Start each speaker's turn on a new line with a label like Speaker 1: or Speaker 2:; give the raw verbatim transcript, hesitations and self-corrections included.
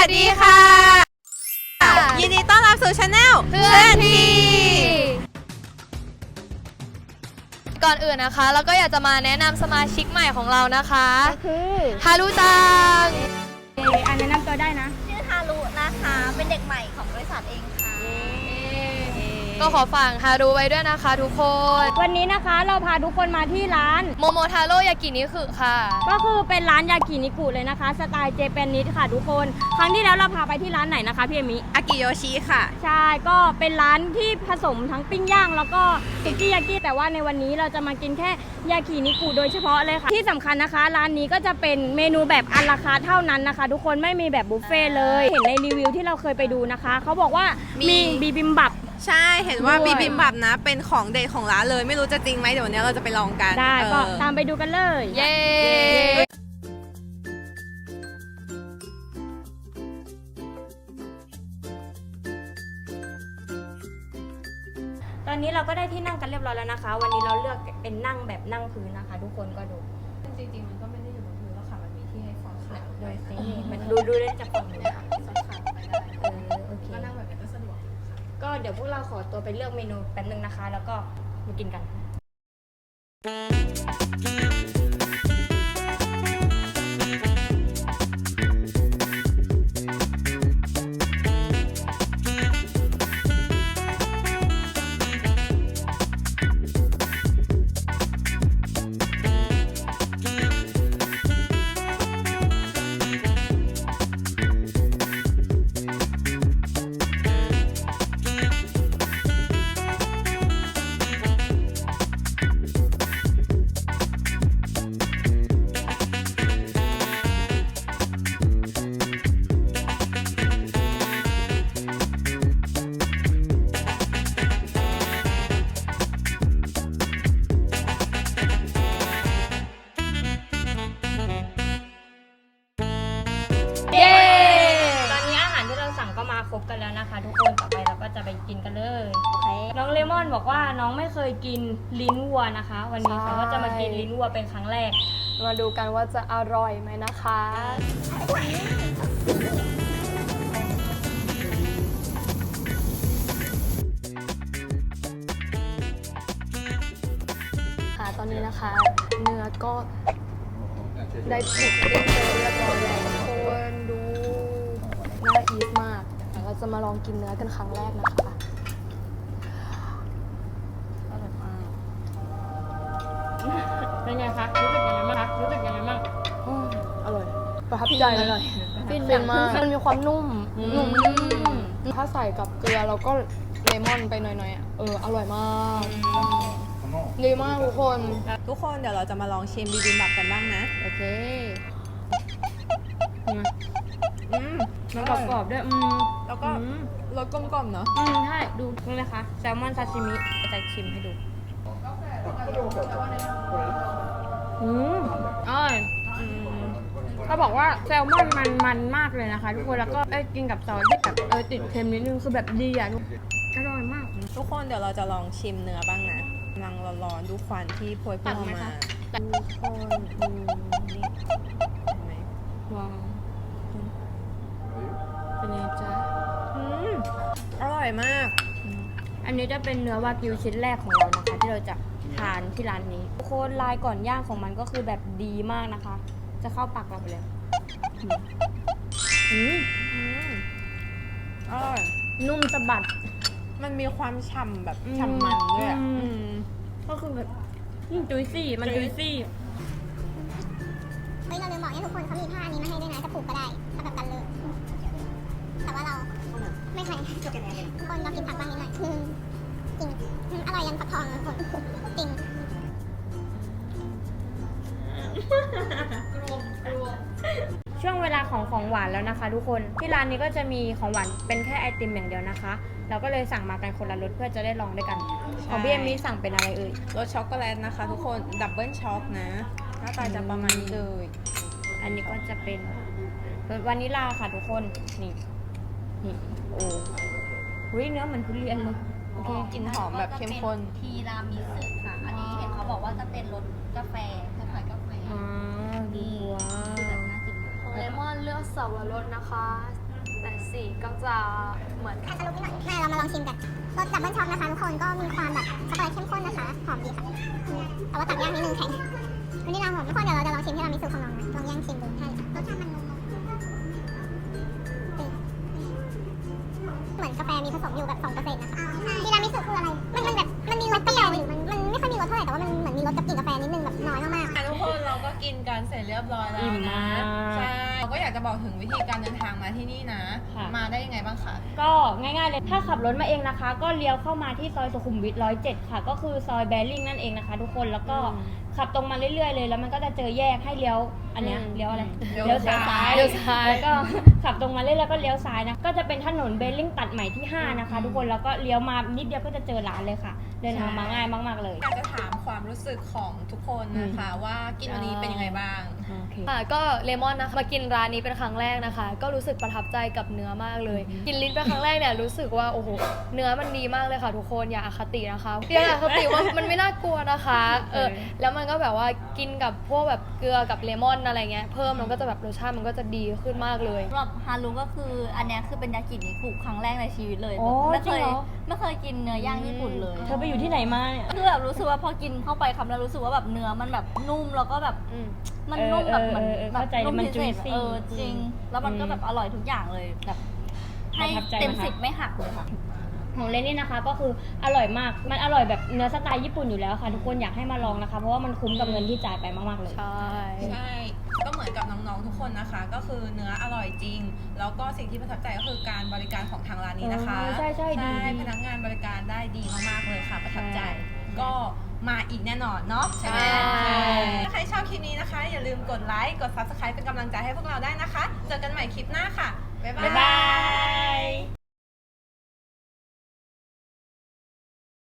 Speaker 1: สดีค่ะยินดีต้อนรับสู่ช anel เพื่อนที
Speaker 2: ก่อนอื่นนะคะเราก็อยากจะมาแนะนำสมาชิกใหม่ของเรานะคะ
Speaker 3: ก็คือ
Speaker 2: ฮารุจัง
Speaker 3: อันแนะนำตัวได้นะ
Speaker 4: ชื่อฮารุนะคะเป็นเด็กใหม่ของบริษัทเองค่ะ
Speaker 2: ก็ขอฝากฮารุไว้ด้วยนะคะทุกคน
Speaker 3: วันนี้นะคะเราพาทุกคนมาที่ร้าน
Speaker 2: โมโมทาโร่ยากินิคุค่ะ
Speaker 3: ก็คือเป็นร้านยากินิกุเลยนะคะสไตล์เจแปนนิสค่ะทุกคนครั้งที่แล้วเราพาไปที่ร้านไหนนะคะพี่เอมิ
Speaker 1: อากิโยชิค่ะ
Speaker 3: ใช่ก็เป็นร้านที่ผสมทั้งปิ้งย่างแล้วก็สุกี้ยากิแต่ว่าในวันนี้เราจะมากินแค่ยากินิกุโดยเฉพาะเลยค่ะที่สำคัญนะคะร้านนี้ก็จะเป็นเมนูแบบอัลราคาร์ทเท่านั้นนะคะทุกคนไม่มีแบบบุฟเฟ่เลยเห็นในรีวิวที่เราเคยไปดูนะคะเขาบอกว่ามีบีบิมบับ
Speaker 1: ใช่เห็นว่าบีบิมบับนะเป็นของเด็ดของร้านเลยไม่รู้จะจริงไหมเดี๋ยววันนี้เราจะไปลองกัน
Speaker 3: ได้ก็ตามไปดูกันเลย
Speaker 2: เย้
Speaker 3: ตอนนี้เราก็ได้ที่นั่งกันเรียบร้อยแล้วนะคะวันนี้เราเลือกเป็นนั่งแบบนั่งพื้นนะคะทุกคนก็ดู
Speaker 1: จริงๆมันก็ไม่ได้อยู่บนพื้นแล้วค่ะมันมีที่ให้ฟอนขา
Speaker 3: โดยซิมันดูดูได้จากฝั่งนี้ค่ะ
Speaker 1: ฟอนขาไปได้
Speaker 3: เออโอเค
Speaker 1: ก็นั่งแบบนี้ก็สะดวก
Speaker 3: ก็เดี๋ยวพวกเราขอตัวไปเลือกเมนูแป๊บนึงนะคะแล้วก็มากินกันครบกันแล้วนะคะทุกคนต่อไปเราก็จะไปกินกันเลยโอเคน้องเลมอนบอกว่าน้องไม่เคยกินลิ้นวัวนะคะวันนี้เขาก็จะมากินลิ้นวัวเป็นครั้งแรก
Speaker 2: มาดูกันว่าจะอร่อยไหมนะคะค่ะตอนนี้นะคะเนื้อก็ได้ถูกเรียบร้อยแล้วทุกคนดูน่าอีทมากเราจะมาลองกินเนื้อกันครั้งแรกนะคะอร่อยมาก
Speaker 3: เป็นไงคะรู้สึกยังไงบ้างคะรู้สึกยังไงบ้าง
Speaker 2: อร่อยประทับใจอร่อยฟินมากมันมีความนุ่มนุ่มถ้าใส่กับเกลือแล้วก็เลมอนไปหน่อยๆอ่ะเอออร่อยมากดีมากทุกคน
Speaker 1: ทุกคนเดี๋ยวเราจะมาลองชิมบีบิมบับกันบ้างนะ
Speaker 2: โอเค
Speaker 1: อืม
Speaker 3: มันกรอบๆด้วยอืม
Speaker 1: แล้วก็รสกลมๆเนาะ
Speaker 3: อืมใช่ดูนี่นะคะแซลมอนซาชิมิจะชิมให้ดูอืมอร่อยเขาบอกว่าแซลมอนมันมันมากเลยนะคะทุกคนแล้วก็ได้กินกับซอสที่แบบเออติดเค็มนิดนึงคือแบบดีอ่ะทุกอร่อยมาก
Speaker 1: ทุกคนเดี๋ยวเราจะลองชิมเนื้อบ้างนะกำลังร้อนๆดูควันที่พวยพุ่งออกมาทุกคนดูนี่เห็นไหม
Speaker 3: ว้าวเป็นไงจ๊ะ
Speaker 1: อืมอร่อยมาก
Speaker 3: อันนี้จะเป็นเนื้อวากิวชิ้นแรกของเรานะคะที่เราจะทานที่ร้านนี้โคนลายก่อนย่างของมันก็คือแบบดีมากนะคะจะเข้าปากเราไปเลยอืม
Speaker 1: อืมอร่อย
Speaker 3: นุ่มสะบัด
Speaker 1: มันมีความฉ่ำแบบฉ่ำมันด้วย
Speaker 3: ก็คือแบบจุยซี่มันจุยซี่
Speaker 4: เฮ้ยเราลืมบอกให้ทุกคนเขามีผ้านี้มาให้ด้วยนะจะผูกก็ได้ถ้าแบบกันเลยแต่ว่าเราไม่ใช่ทุกคนเรากินผักบ้างนิดหน่อยจริงอร่อยยันผักทองทุกคนจริง
Speaker 3: ช่วงเวลาของของหวานแล้วนะคะทุกคนที่ร้านนี้ก็จะมีของหวานเป็นแค่ไอติมอย่างเดียวนะคะเราก็เลยสั่งมากันคนละรสเพื่อจะได้ลองด้วยกันของพี่เอมมี่สั่งเป็นอะไรเอ่ย
Speaker 1: รสช็อกโกแลตนะคะทุกคนดับเบิลช็อกนะหน้าตาจะประมาณนี้เลย
Speaker 3: อันนี้ก็จะเป็นรสวานิลลาค่ะทุกคนนี่นี่โอ้หุ้ยเนื้อเหมือนทุเรียนเลยโอเค
Speaker 1: กลิ่นหอมแบบเข้มข้น
Speaker 4: ทีรามิสุค่ะอันนี้เห็นเขาบอกว่าจะเป็นรสกาแฟคล้ายๆกาแฟ
Speaker 3: อ๋อดีว้าว
Speaker 2: เลมอนเลือกสับปะรดนะคะสีก็จะเหมือน
Speaker 4: อาจจะลุกนิดหน่อยมาเรามาลองชิมกันรสดับเบิลช็อกนะคะทุกคนก็มีความแบบช็อกโกแลตเข้มข้นนะคะหอมดีค่ะอืมแต่ว่าตัดยากนิดนึงแข็งวันนี้เราหอมทุกคนเดี๋ยวเราจะลองชิมที่เรามีสูตรของน้องนะลองย่างชิมดูใช่รสชาติมันนมเหมือนกาแฟมีผสมอยู่แบบสองเปอร์เซ็นต์นะคะทีรามิสุคืออะไรมันมันแบบมันมีรสเปรี้ยวอยู่มันมันไม่ค่อยมีรสเท่าไหร่แต่ว่ามันเหมือนมีรสกับกลิ่นกาแฟนิดนึงแบบน้อยมากๆ
Speaker 1: อ่ะทุกคนเราก็กินกันเสร็จเรียบร้อยแล้ว
Speaker 3: อิ่มมาก
Speaker 1: ใช่เราก็อยากจะบอกถึงวิธีการเดินทางมาที่นี่นะ
Speaker 3: ค่ะ
Speaker 1: มาได้ยังไงบ้างคะ
Speaker 3: ก็ง่ายๆเลยถ้าขับรถมาเองนะคะ ก็เลี้ยวเข้ามาที่ซอยสุขุมวิทร้อยเจ็ดค่ะ ก็คือซอยแบริ่งนั่นเองนะคะ ทุกคนแล้วก็ขับตรงมาเรื่อยๆเลย แล้วมันก็จะเจอแยกให้เลี้ยวอันเนี้ย
Speaker 2: อืม
Speaker 3: เลี้ยวอะไร
Speaker 1: เลี้ยวซ้าย
Speaker 3: เลี้ยวซ้ายแล้วก็ ขับตรงมาเรื่อยๆแล้วก็เลี้ยวซ้ายนะก็จะเป็นถนนเบลลิงตัดใหม่ที่ห้านะคะ ทุกคนแล้วก็เลี้ยวมานิดเดียวก็จะเจอร้านเลยค่ะ เดินทางมาง่ายมากๆเลย
Speaker 1: อยากจะถามความรู้สึกของทุกคนนะคะว่ากินวันนี้เป็นยังไงบ้าง
Speaker 3: โอเค
Speaker 2: ค่ะก็เลมอนนะคะมากินร้านนี้เป็นครั้งแรกนะคะ ก็รู้สึกประทับใจกับเนื้อมากเลย กินลิ้นเป็นครั้งแรกเนี่ยรู้สึกว่าโอ้โหเนื้อมันดีมากเลยค่ะทุกคนอย่าอคตินะคะอย่าอคติว่ามันไม่น่ากลัวนะคะเออแล้วมันก็แบบว่ากินกับพวกแบบเกลือกับเลมอนอะไรเงี้ยเพิ่มมันก็จะแบบรสชาติมันก็จะดีขึ้นมากเลย
Speaker 5: สำหรับฮารุก็คืออันเนี้ยคือเป็นยากินิคุครั้งแรกในชีวิตเลย
Speaker 3: โอ้
Speaker 5: แบบไม่เค
Speaker 3: จริง
Speaker 5: ย
Speaker 3: เหรอ
Speaker 5: ไม่เคยกินเนื้อย่างญี่ปุ่นเลย
Speaker 3: เธอไปอยู่ที่ไหนมาเนี่ย
Speaker 5: คือแบบรู้สึกว่าพอกินเข้าไปคำแล้วรู้สึกว่าแบบเนื้อมันแบบนุ่มแล้วก็แบบ
Speaker 2: อืม
Speaker 5: มันนุ่มแบบเหมือน
Speaker 3: เออเออเออ
Speaker 5: แบบ
Speaker 3: เข้าใจเลย
Speaker 5: นุ่ม
Speaker 3: มัน
Speaker 5: พิเศษ
Speaker 3: juicy
Speaker 5: เออจริง แล้วมันก็แบบอร่อยทุกอย่างเลยแบบให้
Speaker 3: ประทับใจ
Speaker 5: เต็ม
Speaker 3: ไหมคะ
Speaker 5: สิบไม่หักเลยค่ะ
Speaker 3: ของเลนนี่นะคะก็คืออร่อยมาก มันอร่อยแบบเนื้อสไตล์ญี่ปุ่นอยู่แล้วค่ะ ทุกคนอยากให้มาลองนะคะ เพราะว่ามันคุ้มกับเงินที่จ่ายไปมากๆเลย
Speaker 2: ใช่
Speaker 1: ใช่ ก็เหมือนกับน้องๆทุกคนนะคะ ก็คือเนื้ออร่อยจริง แล้วก็สิ่งที่ประทับใจก็คือการบริการของทางร้านนี้นะคะ
Speaker 3: เออใช่ใช่ดีดี
Speaker 1: พนักงานบริการได้ดีมากๆเลยค่ะ ประทับใจ
Speaker 3: ใช่
Speaker 1: ก็มาอีกแน่นอนเนาะใช่ไหม
Speaker 2: ใช่
Speaker 1: ถ้าใครชอบคลิปนี้นะคะ อย่าลืมกดไลค์ กด ซับสไครบ์ เป็นกำลังใจให้พวกเราได้นะคะ เจอกันใหม่คลิปหน้าค่ะ บ๊ายบาย
Speaker 3: บ๊ายบาย